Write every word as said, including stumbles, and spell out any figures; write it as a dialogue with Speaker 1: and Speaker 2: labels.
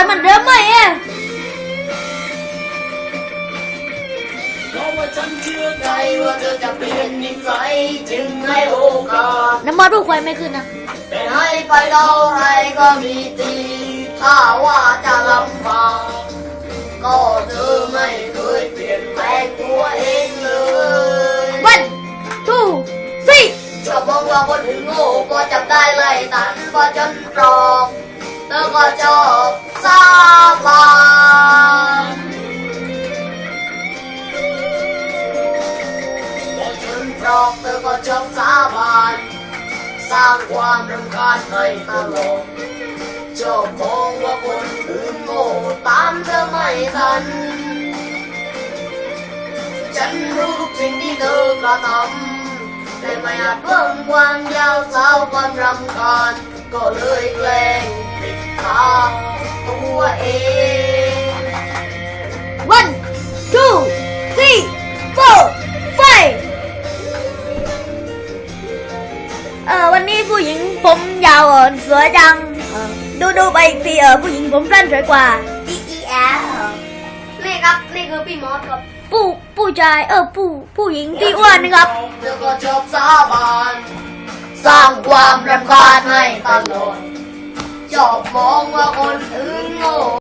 Speaker 1: เหมือนเดิมไหมอ่ะ
Speaker 2: เพราะว่าฉันเชื่อใจว่าเธอจะเปลี่ยนนิสัยจึงให้โอกาส
Speaker 1: น้ำมันรูปควายไม่ขึ้นนะ
Speaker 2: แต่ให้ไปเราไรก็มีตีถ้าว่าจะลำบากก็เธอไม่เคยเปลี่ยนแปลงตัวเองเลย
Speaker 1: วันทูสี่
Speaker 2: ชอบมองว่าคนอื่นโง่ก็จับได้ไล่ตันพอจนตรอกเธอก็ชอบสาบานพอจนตรอกเธอก็ชอบสาบานสร้างความรำคาญให้ตลอดชอบมองว่าคนอื่นโง่ตามเธอไม่ทันฉันรู้ทุกสิ่งที่เธอกระทำแต่ไม่อาจเพิ่มความยาวสาวความรำคาญก็เลยแกล้งปิดตาตัวเอง
Speaker 1: one two three four five เออวันนี้ผู้หญิงผมยาวอ่อนสวยจังเออดูดูไปอีกทีเออผู้หญิงผมสั้นสวยกว่า
Speaker 2: อีอีแอนี่ครับนี่คือพี่มอสครับ
Speaker 1: ผู้ผู้ชายเออผู้ผู้หญิงที่อ้วนนะครับ
Speaker 2: เธอก็ชอบสาบานสร้างความรำคาญให้ตลอดชอบมองว่าคนอื่นโง่